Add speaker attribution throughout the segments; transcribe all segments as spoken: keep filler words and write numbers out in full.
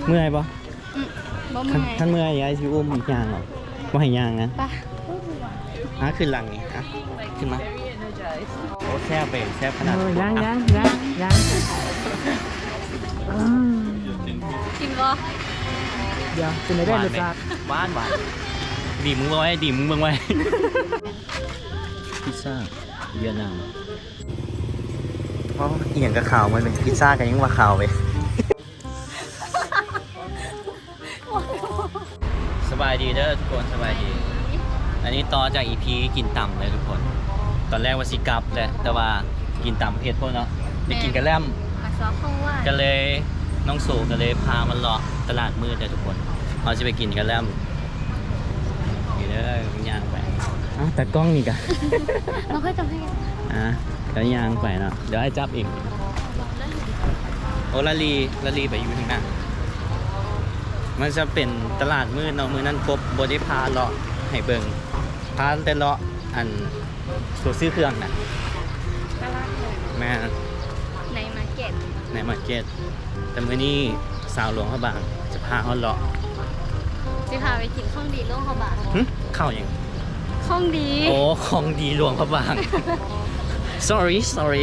Speaker 1: เมื่อยปะ
Speaker 2: บ่เมื่อย
Speaker 1: ท่านเมื่อยยายชิอุ้มอีกอย่างหรอว่าให้ย่างนะ
Speaker 2: ปะ
Speaker 1: อ่ะขึ้นหลังนี่อ่ะขึ้นมาโอ้แซ่บไปแซ่บขนาด
Speaker 3: ยังยังยังยัง
Speaker 2: กินบ่
Speaker 3: เดี๋ยวเป็นอะไรได้รสชาติ
Speaker 1: หวานหวานดีมึงไว้ดีมึงเบิ่งไว้พิซซ่าเวียดนามเพราะอีหยังกับข่าวมันเป็นพิซซ่ากันยังว่าข่าวไปสบายดีเด้อทุกคนสบายดีอันนี้ต่อจากอีพีกินต่ำเลยทุกคนตอนแรกว่าสิกลับแหละแต่ว่ากินต่ำเผ็ดพวกเนาะได้กินกระแลม
Speaker 2: มาซอข้าวหวาน
Speaker 1: ก็เลยน้องสูก็เลยพามันเลาะตลาดมืดเลยทุกคนเราจะไปกินกระแลมนี่เด้อย่างไปอ้าวแต่กล้องนี่กะ
Speaker 2: เราเคยจำให้
Speaker 1: อ่ะก็ย่างไปเนาะเดี๋ยวให้จับอีกโอลาลีลาลีไปอยู่ทางหน้ามันจะเป็นตลาดมืดเนาะมือนั้นกบบได้พาเลาะให้เบิ่งพาแต่เลาะอันตัวซื้อเครื่องนะ
Speaker 2: ตลาดเลย
Speaker 1: แม่
Speaker 2: ในมาร์เก็ต
Speaker 1: ในมาร์เก็ตแต่มื้อนี้สาวหลวงพระบางจะพาเขาเลาะ
Speaker 2: จะพาไปกินข้องดีโลกเขาบาท
Speaker 1: หึเข้าอย่าง
Speaker 2: ข้องดี
Speaker 1: โอ้ของดีหลวงพระบาง sorry sorry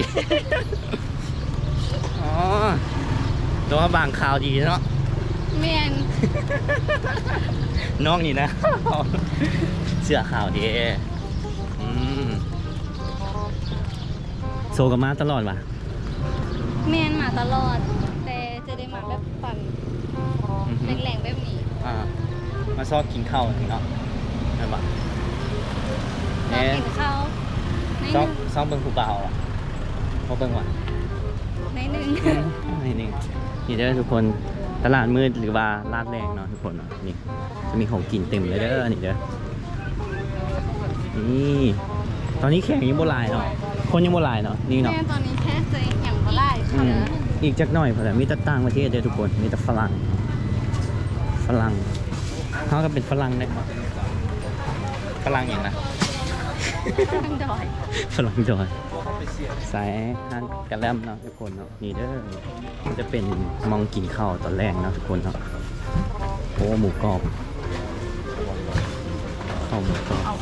Speaker 1: อ๋อหลวงพระบางข่าวดีเนาะ
Speaker 2: เมียน
Speaker 1: น้องนี่นะ เสื้อข่าวดีอืมโซกับมาตลอดว่ะ
Speaker 2: เมียนมาตลอด แต่จะได้มาแบบปั่น
Speaker 1: อือหือ
Speaker 2: แรงๆแบบนี้
Speaker 1: อ่ามาซอกกินข้าวนี่เนาะนั่นปะ
Speaker 2: เรากินข้าวใน
Speaker 1: ซ
Speaker 2: ห
Speaker 1: อก
Speaker 2: นึ่ง
Speaker 1: ซอกเบิ่งผู้เบาอ่ะเขาเบิ่งว่ะ
Speaker 2: ในหนึ่ง
Speaker 1: นี่นี่นี่เด้อทุกคนตลาดมืดหรือว่าลาดแรงเนาะทุกคนเนาะนี่จะมีของกินเต็มเลยเด้อนี่เด้อนี่ตอนนี้แข่งยังโบราณเนาะคนยังโบราณเนาะนี่เนาะ
Speaker 2: แม่ตอนนี้แค่เจออย่างบ่ไล่
Speaker 1: อื
Speaker 2: ค่ะ
Speaker 1: มอีกจักหน่อยเพราะแต่มีแต่ต่างประเทศเด้อทุกคนมีแต่ฝรั่งฝรั่งเขาก็เป็นฝรั่งได้ฝรั่งอย่างนะ
Speaker 2: ทางดอย
Speaker 1: ฝรั่งจอยสายฮันกระแลมเนาะทุกคนเนาะนี่เด้อมันจะเป็นมองกินข้าวตอนแรกเนาะทุกคนเนาะโอ้หมูกรอบข้าวหมูกรอบ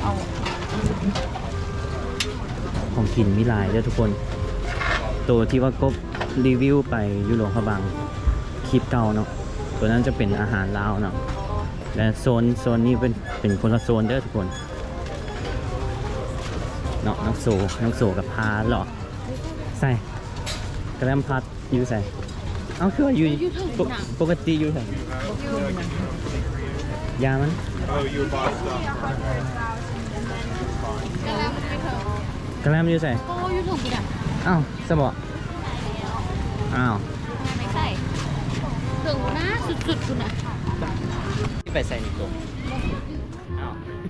Speaker 1: ของกินมิลายเด้อทุกคน ตัวที่ว่ากบรีวิวไปยุโรปพะบังคลิปเก่าเนาะตัวนั้นจะเป็นอาหารลาวเนาะและโซนโซนนี้เป็นเป็นคนละโซนเด้อทุกคนเนาะน้องโซน้องโซกับพาหรอใส่กระแลมพัดอยู่ใส่เอาคือว่าอยู่ปกปกติอยู่ใส่ยามัน
Speaker 2: กระแลมไม่เถอะ
Speaker 1: กระแลมอยู่ใส่
Speaker 2: โอ้ยูทูบอีกอ่ะ
Speaker 1: อ้าวสบออ้าว
Speaker 2: ไม่ใส่ถึงนะสุดๆคุณอ่ะ
Speaker 1: ที่ไปใส่ในกรงอ้าว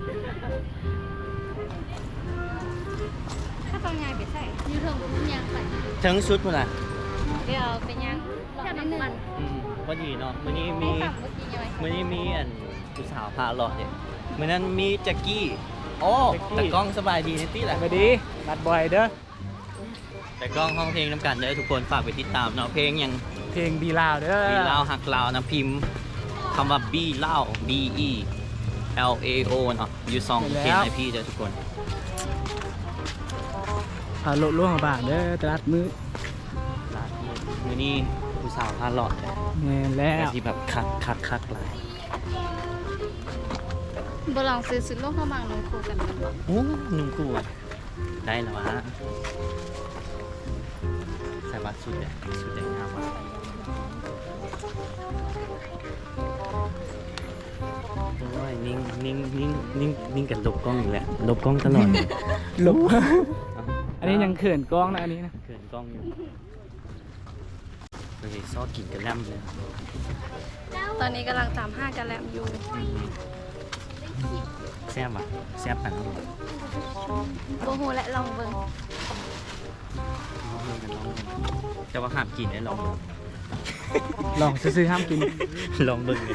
Speaker 2: ถ้าตอนงานไปใส่ยูทูบคุณยังใส่
Speaker 1: ทั้งชุดมันอ่ะ
Speaker 2: เดี๋ยวไปยังแค่น้ำมัน
Speaker 1: อืมพอดีเนาะมื้อนี้
Speaker 2: มี
Speaker 1: มี
Speaker 2: สั่งเมื่อกี้ยังไง
Speaker 1: มื่อนี้มีอันผู้สาวพาหลอดเนี่ยมื่อนั้นมีแจ็กกี้โอ้แต่กล้องสบายดีนิตี้แหละ
Speaker 3: ไปดีนัดบ่อยเด้อ
Speaker 1: แต่กล้องห้องเพลงน้ำกันเด้อทุกคนฝากไปติดตามเนาะเพลงยัง
Speaker 3: เพลงบีลาวเด้อ
Speaker 1: บีลาวหักลาวนะพิมพ์คำว่าบีลาว B E L A O เนาะอยู่สองเพลงไอพี่เด้อทุกคน
Speaker 3: พาโลล่วงบาทเด้อตลาดมือ
Speaker 1: ลามื่อนี้ผู้สาวพาหลอดเนี่ย
Speaker 3: แม่นแล้
Speaker 1: แต่
Speaker 3: ว
Speaker 1: ที่แบบคักคักคักหลาย
Speaker 2: บลองซื้อสุดโลกเข้ามาลงคูกันกันบ่
Speaker 1: โอ้หนุ่มกูอะได้แล้ววะใส่บัตรสุดเลยสุดเลยงามมาก โอ้ยนิ่งนิ่งนิ่งนิ่งนิ่งกันลบกล้องอยู่แหละลบกล้องตลอดเลย
Speaker 3: ลบอันนี้ยังเขินกล้องนะอันนี้นะ
Speaker 1: เขินกล้องอยู่เฮ้ยซอกินกันแลมเลย
Speaker 2: ตอนนี้กำลังตามห้ากันแลมอยู่
Speaker 1: อืมแซ่บอ่ะแซ่บปันน้อง
Speaker 2: โบโหและลองเบิ่ง
Speaker 1: เบิ่งกันลองเบิ่งแต่ว่าห้ามกินได้ลองเบิ่ง
Speaker 3: ลองซื้อๆห้ามกิน
Speaker 1: ลองเบิ่งเลย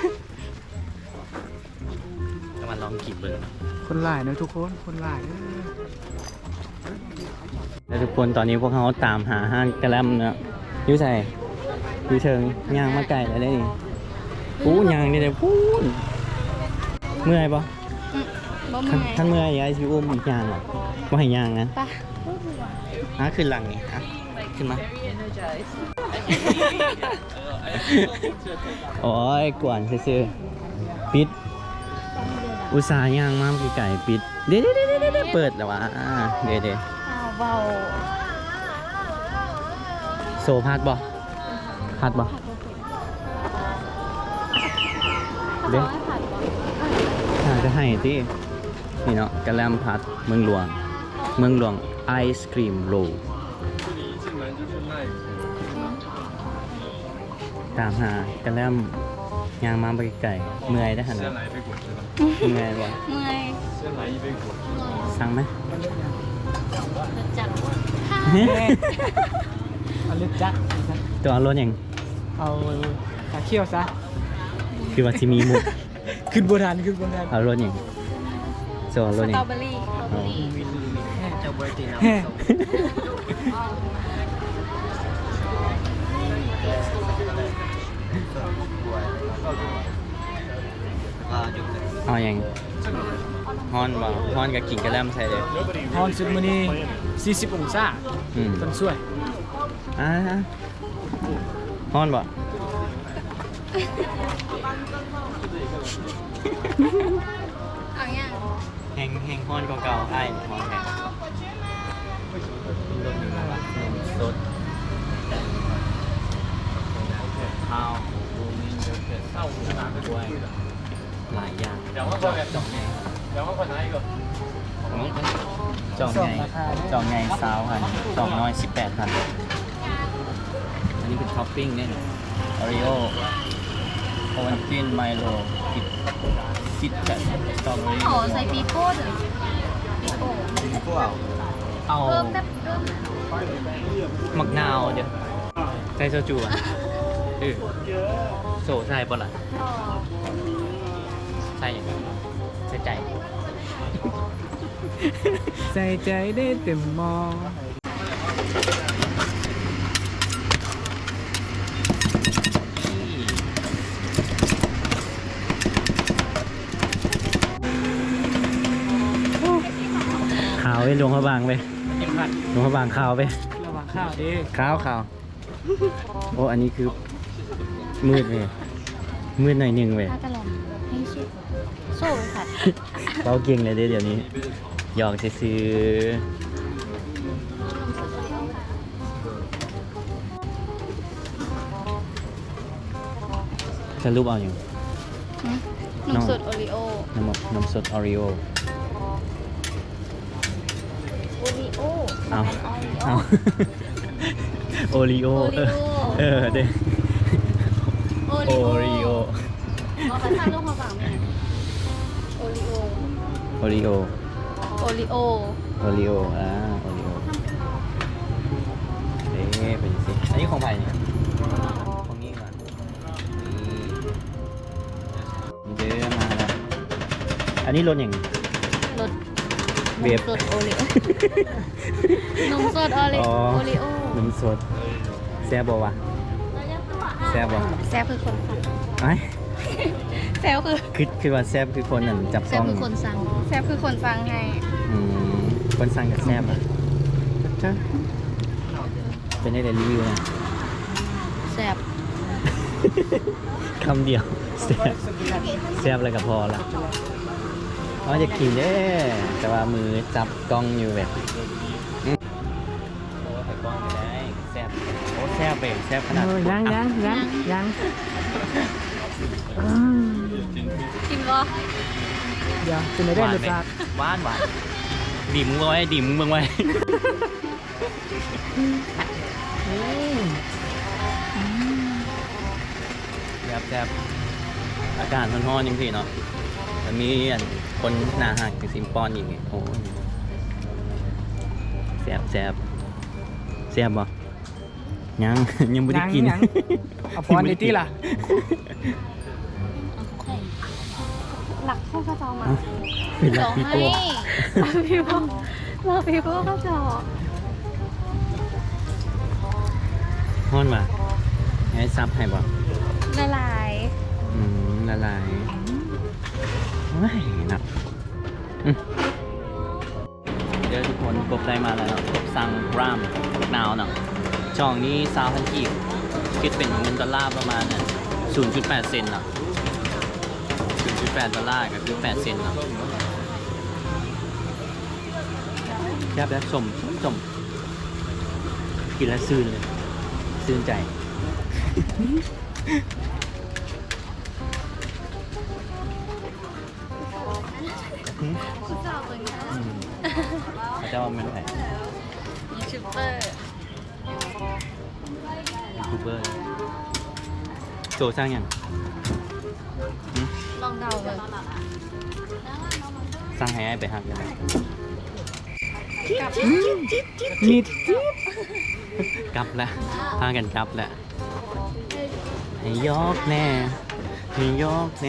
Speaker 1: แต่มันลองกินเบิ่ง
Speaker 3: คนหลายเนอะทุกคนคนหลายเด้อ
Speaker 1: แล้วทุกคนตอนนี้พวกเขาตามหาห้างกระแลมเนาะอยูใส่อยูเชิงย่างมาไก่แล้วได้ดิปูยางนี่เดี๋ยวพูนเมื่อยปะ
Speaker 2: อืมบ่
Speaker 1: ท่าน
Speaker 2: เมื่อย
Speaker 1: ท่านเมื่อยยายชิอุ้มยางหรอไม่ให้ยางนะ
Speaker 2: ไป
Speaker 1: อ่ะขึ้นหลังนี่อ่ะขึ้นมา โอ้ยกวนซื่อๆปิด อุตส่าห์ย่างมาไก่ปิด เดี๋ยวเดี๋ยวเดี๋ยวเดี๋ยวเปิดแล้ววะอ่าเดี๋ยวเดี๋ยว
Speaker 2: เบา
Speaker 1: โซพัดบ่พัดบ่
Speaker 2: ๆ
Speaker 1: เด้
Speaker 2: เขาให้ผัดก่อน
Speaker 1: น่าจะให้ที่นี่เนาะกระแลมพัดเมืองหลวง เมืองหลวงไอศครีมโรลตามหากระแลมย่างมาไปไก่เมื่อยได้ขนาดเมื่อยบ่
Speaker 2: เมื่อย
Speaker 1: สั่งไหม
Speaker 2: จับ
Speaker 3: เอาเล็บจัก
Speaker 1: ตัวเอารถยัง
Speaker 3: เอาตาเขี้ยวซะ
Speaker 1: คือว่าที่มีหมุก
Speaker 3: ขึ้นบนทันขึ้นบนทัน
Speaker 1: เอารถยังโซเอารถ
Speaker 2: ส
Speaker 1: ยั
Speaker 2: ตรง อเบอรี่สตรอเบอรี่
Speaker 3: แฮ่
Speaker 1: เอายังฮอนบ่ฮอนกับกิ่งกระแลมใส่เลย
Speaker 3: ฮอนสุดมื้อนี้สี่สิบองศา
Speaker 1: อืม
Speaker 3: ต้นสวย
Speaker 1: อ่าฮอนบ่
Speaker 2: เอาอย่าง
Speaker 1: แหงแหงฮอนเก่าๆไอ้ฮอนแหงสดข้าวบูมินเยอะเกินข้าวด้วยหลายอย่างจองไงจองไงจองไงซาวพันจองน้อยสิบแปดพันอันนี้เป็นท็อปปิ้งเนี่ยออริโอโอวันตินไมโลคิดคิดแคทสตรอเบอรี่
Speaker 2: ขอใส่ปีโป้เถอะปีโป้
Speaker 1: เอา
Speaker 2: เพิ่มแบบเพิ่ม
Speaker 1: มักนาวเดี๋ยวใส่โซจูอ่ะเออโซใส่ปะล่ะ
Speaker 2: อ๋อ
Speaker 1: ใส่ใส่ใจ
Speaker 3: ใส่ใจได้เต็มมอง
Speaker 1: ขาวไปลงพระบางไป
Speaker 3: เอ็มพัด
Speaker 1: ลงพระบางขาวไป
Speaker 3: ระวังข้าวดิ
Speaker 1: ขาวขาวโอ้อันนี้คือมืดเลยมืดหน่อยหนึ่งเว้ย
Speaker 2: ถ้ากระหล่ำให้ชิโซ่ไปผัด
Speaker 1: เราเก่งเลยเด้เดี๋ยวนี้หยอกซื้อจะรูปเอาอยู่
Speaker 2: หืมนมสดโอริโอ
Speaker 1: น้ำมน้ำสดออริโอ
Speaker 2: โอริโอ
Speaker 1: เอา
Speaker 2: โอ
Speaker 1: เอาโอริโอ
Speaker 2: โอริโอ
Speaker 1: เออเด้
Speaker 2: โอ
Speaker 1: โอ
Speaker 2: ริ
Speaker 1: ริ
Speaker 2: โอ
Speaker 1: โอ
Speaker 2: เอากระทะลงมาฝั่งนี้โอริโอ
Speaker 1: โอริโอ
Speaker 2: โอริโอ
Speaker 1: โอริโออ่าโอริโอเด้เป็นสิอันนี้ของใครเนี่ยของนี่ก่อนนี่เด้อมาแล้วอันนี้รถอย่าง
Speaker 2: รส
Speaker 1: เวฟ
Speaker 2: นมสดโอริโอนมสดโอริ
Speaker 1: อ๋อ
Speaker 2: โอริโอ
Speaker 1: น้ำสดแซ่บบ่วะแซ่บบ่
Speaker 2: แซบคือคนผัด
Speaker 1: ไอ้
Speaker 2: แซบคือ
Speaker 1: คือคือว่าแซ่บคือคนนั่นจับ
Speaker 2: แซ
Speaker 1: ต้
Speaker 2: บ
Speaker 1: อง
Speaker 2: คือคนสั่งแซบคือคนสั่งให้
Speaker 1: อืมคนสั่งกับแซ่บอ่ะจ้าเป็นได้แต่รีวิวนะ
Speaker 2: แซบ
Speaker 1: คำเดียวแซ่บแซ่บอะไรก็พอละอ๋อจะกินเด้แต่ว่ามือจับกล้องอยู่แบบอืมโอ้ใส่กล้องไม่ได้แซ่บโอ้แซ่บเบรแซ่บขนาด
Speaker 3: เออยังยังยังยังอืม
Speaker 2: กินบ่
Speaker 3: เดี๋ยวจะไม่
Speaker 1: ห
Speaker 3: ได้
Speaker 1: วาน
Speaker 3: รส
Speaker 1: ไหม
Speaker 3: ชาติ
Speaker 1: หวานหวานดิ่มมึงไว้ดิ่มมึงไว้ แซ่บแซ่บอากาศร้อนๆจริงๆเนาะแต่มีอันคนหนาหักกับซิมปอนอีกไงโอ้ยแซ่บแซ่บแซ่บบ่ยัง ยังไม่ได้กิน
Speaker 3: ยังเอาพรในที่ล่ะ
Speaker 2: หลักข้าวกระเจามา
Speaker 1: เอ้าเป็นลั
Speaker 2: เดี๋
Speaker 1: ก
Speaker 2: ยว
Speaker 1: ปี
Speaker 2: ให้
Speaker 1: โป้
Speaker 2: เราพี่พ่อเราพี่พ่อกระเจา
Speaker 1: ฮ้อนมาให้ซับให้บ่
Speaker 2: ละลาย
Speaker 1: อืมช่องนี้สามพันกีบคิดเป็นเงินดอลลาร์ประมาณน่ะศูนย์จุดแปดเซนต์เนาะศูนย์จุดแปดดอลลาร์ก็คือแปดเซนต์เนาะแค่แบบสมสมกินแล้วซื่นเลยซื่นใจ
Speaker 2: คุณสาวเบิ่งนะ
Speaker 1: อืมเขาจะว่ามันไง
Speaker 2: ยูทูบเบอร์
Speaker 1: ยูทูบเบอร์โจสร้างยังหึ
Speaker 2: ลองเดาเบิ่ง
Speaker 1: สร้างให้ไอ้ไปหักยังไง
Speaker 2: กับ
Speaker 3: มีด
Speaker 1: กลับแล้วพากันกลับแล้วให้ยอกแน่ให้ยอกแน่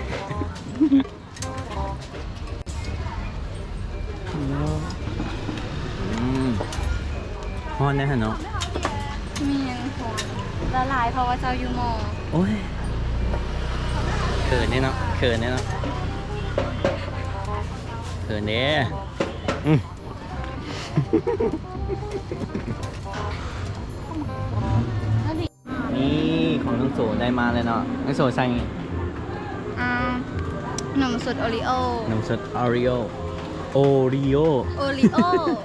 Speaker 1: อืมฮอนได้ฮะเนาะ
Speaker 2: มีนคนละลายเพราะว่าเจ้าอยู่มอ
Speaker 1: โอ้ยเขินเนี่ยเนาะเขินเนี่ยเนาะเขินเนี่ยอืมนี่ของน้องโสได้มาเลยเนาะน้องโสใส่
Speaker 2: อ่านมสดโอริโอน
Speaker 1: มสดออริโอโอริโอ
Speaker 2: โอริโอ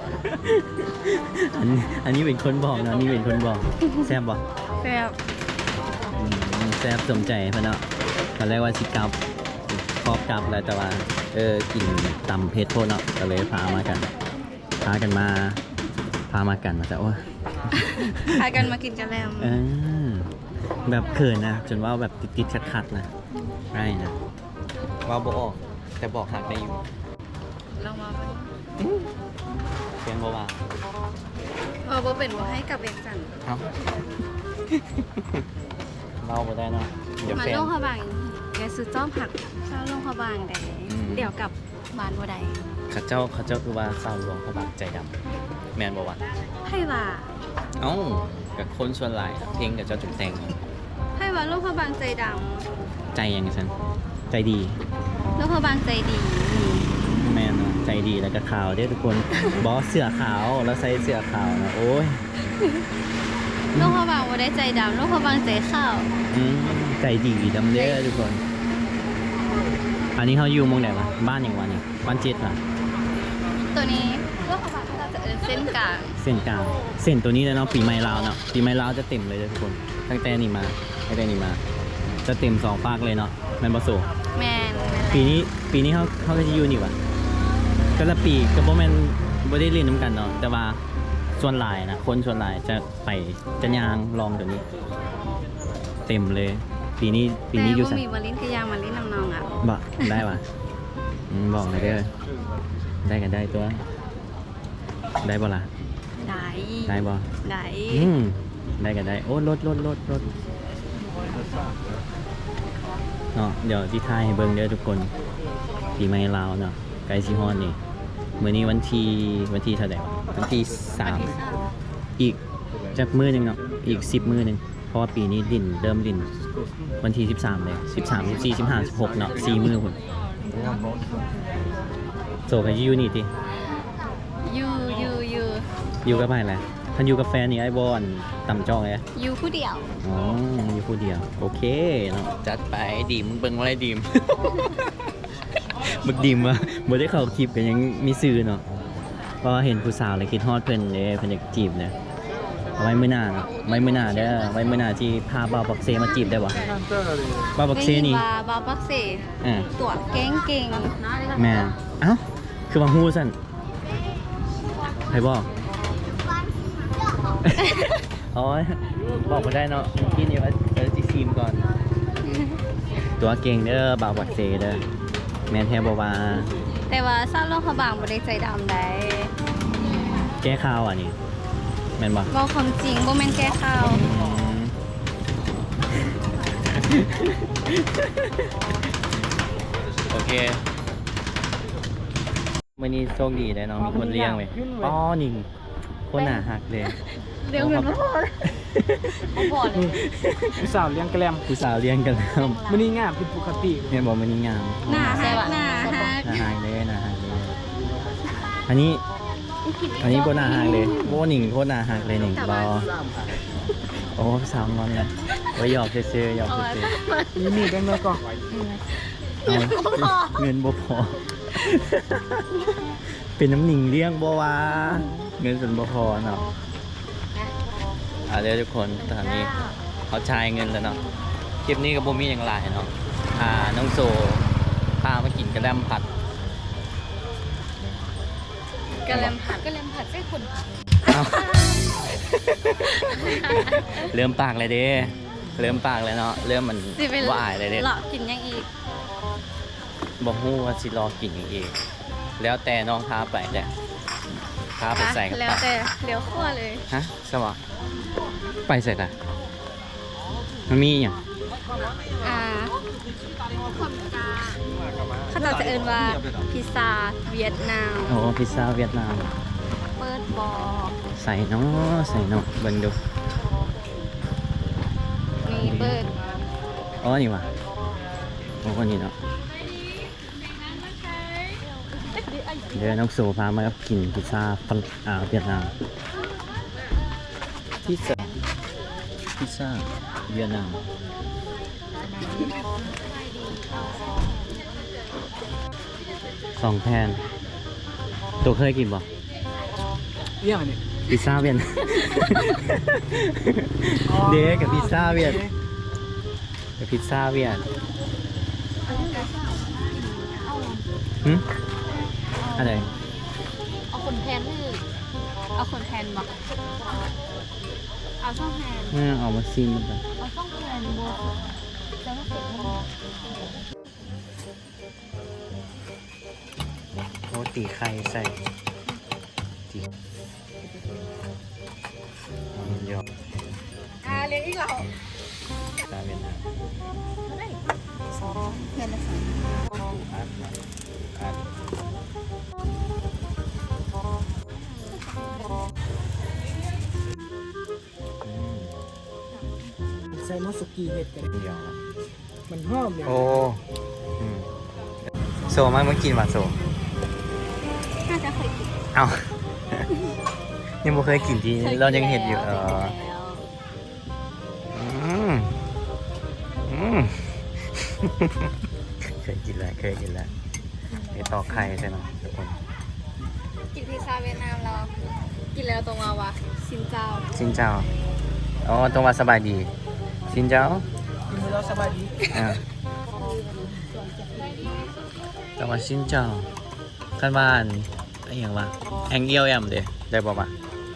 Speaker 1: อันอันนี้เป็นคนบอกเนาะอันนี่เป็นคนบอกแซ่บบอก
Speaker 2: แบบ
Speaker 1: แซ่บสมใจเพื่อนเนาะตอนแรกว่าสิกลับครอบกลับแล้วแต่ว่าเออกินตำเพชรโพดเนาะก็เลยพามากันพากันมาพามากันมาแต่โอ้ย
Speaker 2: พากันมากินกันแล้ว
Speaker 1: เออแบบเขินนะจนว่าแบบติดๆขัดๆนะใช่นะว่าบอกออกแต่บอกหักได้อยู่
Speaker 2: ลองมา
Speaker 1: เพียงบอกว่า
Speaker 2: เออบ่เป็นบ่ให้กับเอกจัน
Speaker 1: เอ้า เราบ่ได้เนาะเดี๋ยว
Speaker 2: มา
Speaker 1: แฟน
Speaker 2: ลงขบางแกซื้อจ้อมผักเช้าลงขบางแต่
Speaker 1: อืม
Speaker 2: เดี๋ยวกลับบ้านบ่ได้
Speaker 1: เข้าเจ้าเข้าเจ้าคือว่าสาวหลวงเขาบักใจดำแมนบอกว่า
Speaker 2: ให้ว่า
Speaker 1: เอ้ากับคนส่วนหลายอะเพลงกับเจ้าจุดแต่ง
Speaker 2: ให้ว่าลงขบางใจด
Speaker 1: ใจยังไงฉันใจดี
Speaker 2: ำลงขบางใจดี
Speaker 1: แมนอะใจดีแล้วก็ขาวเด้อทุกคน บอสเสื้อขาวแล้วใส่เสื้อขาวนะโอ้ย
Speaker 2: ลงขบางบ่ได้ใจดำลงขบางใจข้าว
Speaker 1: อืมใจดีดำเด้อทุกคน อันนี้เขาอยู่หมองไหนวะบ้านอย่างวะนี่บ้านเจ็ดวะ
Speaker 2: ตัวนี้ลงขบางเราจะเอิ้นเส้นกลาง
Speaker 1: เส้นกลางเส้นตัวนี้เลยเนาะปีใหม่ลาวเนาะปีใหม่ลาวจะเต็มเลยเด้อทุกคนตั้งแต่นี่มาตั้งแต่นี่มา จะเต็มสองภาคเลยเนาะแมนบอสู
Speaker 2: แมน
Speaker 1: ปีนี้ปีนี้เขาเขาก็จะอยู่นี่วะก็ละปีก็บ่แม่นบ่ได้เล่นน้ำกันเนาะแต่ว่าส่วนหลายนะคนส่วนหลายจะไปจะยางลองตัวนี้ เต็มเลย ปีนี้ปีนี้อยู่
Speaker 2: แต่
Speaker 1: สั
Speaker 2: ว่ามีมาลิ้นกระยางมาลิ้นน้ำนองอ่ะ
Speaker 1: บ่ได้วะอืมบอกเลยเด้อได้กันได้ตัว ได้บ่ล่ะ
Speaker 2: ได้
Speaker 1: ได้บ่
Speaker 2: ได้
Speaker 1: อืมได้กันได้โอ้รถรถรถรถเนาะเดี๋ยวที่ไทยให้เบิ่งเด้อทุกคนปีใหม่ลาวเนาะไกลสิฮอดนี่มื้อนี้วันที่วันที่เท่าไหร่วะวันที่สาม
Speaker 2: ที่สาม
Speaker 1: อีกจากมื้อหนึงเนาะอีกสิบมื้อหนึงเพราะว่าปีนี้ดินเริ่มดินวันที่สิบสามเลยสิบสาม สิบสี่ สิบห้า สิบหกเนาะสี่มื้อพุ่นโซไปอยู่นี่ติ
Speaker 2: ยูยูยู
Speaker 1: อยู่กับไผแหละท่านอยู่กับแฟนนี่ไอ้บอนต่ำจ้องเลย
Speaker 2: ยูผู้เดียว
Speaker 1: อ๋ออยู่ผู้เดียวโอเคเนาะจัดไปดีมเบิ่งว่าอะไรดีม บึกดีมวะบ่ได้เข้าคลิปกันยังมีซื้อเนาะเพราะว่าเห็นผู้สาวเลยคิดฮอดเพิ่นเด้เพิ่นอยากจีบเนี่ยเอาไว้มื้อหน้าเนาะไว้มื้อหน้าเด้อไว้มื้อหน้าที่พาบ่าวปักเซมาจีบได้บ่บ่าวปักเซนี่
Speaker 2: ได้ยิว่าบาปักเส
Speaker 1: อ่า
Speaker 2: ตัวเก่งเก่ง
Speaker 1: แม่เอ้าคือว่าฮู้ซั่นใครบอก อ๋อบอกบ่ได้เนาะกินอยู่ว่าเออสิซีมก่อน ตัวเก่งเด้อบ่าวปักเซเด้อแม่นแท้บ่ว่า
Speaker 2: แต่ว่าเศร้าโลกขบางบ่ได้ใจดำได้
Speaker 1: แก้ข่าวอ่ะนี่แม่นบ่
Speaker 2: เว้าความจริงบ่แม่นแก้ข่าว
Speaker 1: อืม โอเควันนี้โชคดีได้เนาะมีคนเลี้ยงเลยอ๋อนี่คนหนาหักเลย
Speaker 2: เดี๋ยวเงินบ่พอบ่พอเลย
Speaker 3: ผู้สาวเลี้ยงแกลม
Speaker 1: ผู้สาวเลี้ยงกันแล้ว
Speaker 3: มันนี่งามผิดปกติ
Speaker 1: เนี่ยบอกมันนี่งาม
Speaker 2: หน้าฮักหน้าฮัก
Speaker 1: หนาหายเลยหนาหายเลยอันนี้
Speaker 2: กิน
Speaker 1: อันนี้โบนาหักเลยโบหนิงโบนาหักเลยหนิงบอโอ้สามวันเลยไว้หยอกเซื่อๆหยอก
Speaker 2: เอา
Speaker 1: เซื่
Speaker 2: ไว้
Speaker 1: อ
Speaker 3: นี่มีแบงค์น้อยก่อน
Speaker 1: ๆเอาเงินบ่พอ เป็นน้ำหนิงเลี้ยงบ่วะเงินส่วนบ่พอเนาะอ่ะเดี๋ยวทุกคนตอนนี้เขาจ่ายเงินแล้วเนาะคลิปนี้กับโบมีอย่างไรเนาะพาน้องโซพามากินกระแลมผัด
Speaker 2: กระเลมผัดกระเลมผัดใช่คนผัด
Speaker 1: เอ้า เริ่มปากเลยเด้เริ่มปากเลยเนาะเริ่มมัน
Speaker 2: สิเป็น
Speaker 1: ว่าอายเลยเด้
Speaker 2: เลาะกินยังอีก
Speaker 1: บอกฮู้ว่าสิรอกินอย่างเองแล้วแต่น้องพาไปแหละพาไปใส่กับ
Speaker 2: แล้ว
Speaker 1: ปาก
Speaker 2: แต่เดี๋ยวคั่วเลย
Speaker 1: ฮะสวะไปใส่กันมันมีอย่าง
Speaker 2: อ่าเขาจะเอินว่าพิซซ่าเวียดนาม
Speaker 1: โอ้พิซซ่าเวียดนาม
Speaker 2: เปิดบอ
Speaker 1: ใส่เนาะใส่เนาะเบิ่งดู
Speaker 2: มีเปิด
Speaker 1: อ๋อนี่ว่ะโอ้คนนี้เนาะเดี๋ยวน้องโซพามากินพิซซ่าฝรั่งอ่าเวียดนามพิซซ่าพิซซ่าเวียดนามสองแผ่นตัวเคยกินบ่
Speaker 3: เอี่ยงอันนี้
Speaker 1: พิซซ่าเวียด เด็กกับพิซซ่าเวียดกับพิซซ่าเวียดหึอะไร
Speaker 2: เอาคนแพนหรือเอาคนแพนบอกเอาช่องแพน
Speaker 1: เออเอามาซิมมันก่อน
Speaker 2: เอาช่องแพนโบแล้วก็เก็บมัน
Speaker 1: โอ้ตีไข่ใส่ตีเอามันยอ
Speaker 2: อ่าเลี้ยงอีกเรา
Speaker 1: พิซซ่าเวียดนาม
Speaker 2: สองแพนละสอง
Speaker 1: อัดมาอัดอืม
Speaker 3: ใส่มาสุกี้เห็ดกัน
Speaker 1: เดี๋ยวนะ
Speaker 3: มันหอมเลย
Speaker 1: โอ้อืมโซมาเมื่อกินว่ะโซ
Speaker 2: น่าจะเคยกิน
Speaker 1: เอ้า ยังไม่เคยกินที่เรายังเห็นอยู่เอออืมอืม เคยกินแล้วเคยกินแล้วไปตอกไข่ใช่ไหมทุกคน
Speaker 2: กินพิซซ่าเวียดนามเรากินแล้วตรงมาวะซินเจ้า
Speaker 1: ซินเจ้าอ๋อตรงว่าสบายดีซินเจ้า
Speaker 3: กินไปแล้วสบายดี
Speaker 1: อ่าตรงว่าซินเจ้าขั้นบ้านไอ้อย่างวะแองเอียวแอมเด้ได้บอกว่า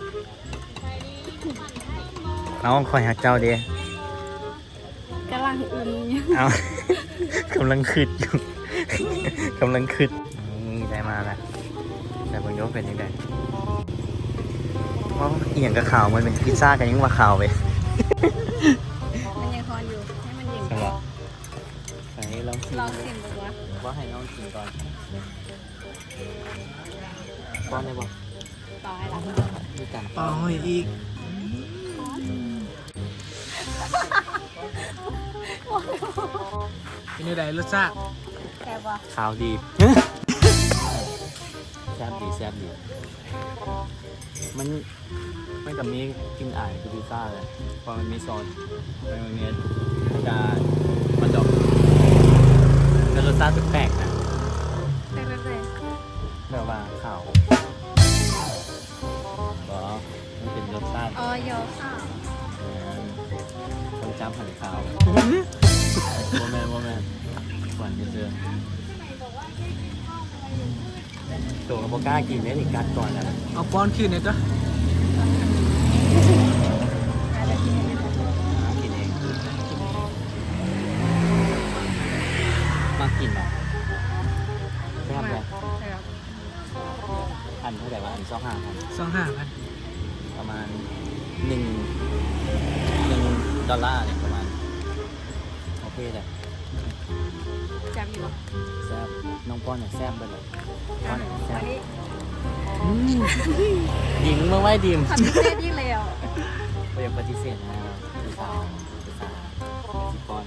Speaker 1: เอาคอยหักเจ้าเด้
Speaker 2: กำลังอึมอยู่
Speaker 1: เอา กำลังคืดอยู่ กำลังคืดนี่ได้มาแล้วแต่บางยกเป็นยังไงเพราะอีหยังกับข่าวมันเป็นพิซซ่ากันยังว่าข่าวไป
Speaker 2: มันยังคอนอยู่ให้มันเย็น
Speaker 1: ใช่ปะใส่ลองชิม
Speaker 2: ลองชิมดูวะ
Speaker 1: ว่าให้น้องชิมก่อนป้อนได้ปะ
Speaker 2: ต่อให้ละ
Speaker 1: มีการ
Speaker 3: ต่อให้อีกเป็นยังไงรสชาติ
Speaker 2: แต่ว่า
Speaker 1: ข่าวดี แซ่บดีแซ่บดี มันมันกับมีกลินอายคือพิซซ่าเลยเพราะมันมีซอสมันมีจานมันดอกแต่รสชาติแปลกๆนะ
Speaker 2: แต่แบบไหน
Speaker 1: แบบว่าข่าวก็มันเป็นรสชาติ
Speaker 2: อ๋อยอข้าว
Speaker 1: คนจำหันข่าวโมแมนโมแมนหวานเจอตัวกับโบกล้ากินเนี่ยนี่กัดก่อนนะ
Speaker 3: เอาป้อนคืนเนี่ยก็
Speaker 1: กินเองมากินหรอแซ่บเลยอันเท่าไหร่วะอันสองห้าพัน
Speaker 3: สองห้าพัน
Speaker 1: ประมาณหนึ่งหนึ่งดอลลาร์เนี่ยประมาณโอเคเลย
Speaker 2: จำอยู่ปะ
Speaker 1: แซ่บน้องป้อนเนี่ยแซ่บไปเลยป้อนเนี่ยแซ่บ
Speaker 2: อันนี้
Speaker 1: ดิมเมื่อไหร่ดิม
Speaker 2: ทำพิเศษยิ่งเลยอ่ะ
Speaker 1: ไม่อยากปฏิเสธนะครับพิซซ่าพิซซ่าสิป้อน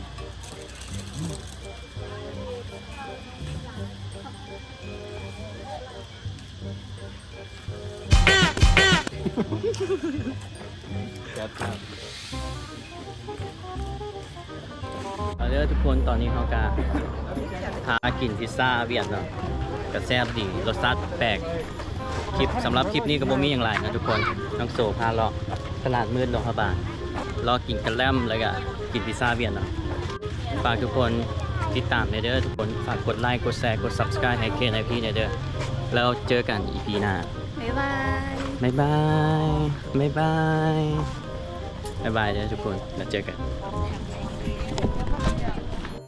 Speaker 3: จัดครับ
Speaker 1: เอาเด้อทุกคนตอนนี้เขาก็พากินพิซซ่าเวียดเนาะก็แซ่บดีรสชาติแปลกคลิปสำหรับคลิปนี้ก็บ่มีอย่างไรนะทุกคนน้องโซพาเลาะตลาดมืดโรงพยาบาลรอกินกระแลมแล้วก็กินพิซซ่าเวียดเนาะฝากทุกคนติดตามในเด้อทุกคนฝากกดไลค์กดแชร์กด Subscribe ให้เคนให้พี่ในเด้อแล้วเจอกัน อี พี หน้า
Speaker 2: บ๊ายบาย
Speaker 1: บ๊ายบายบ๊ายบายบ๊ายบายเด้อทุกคนแล้วเจอกัน
Speaker 2: แฮป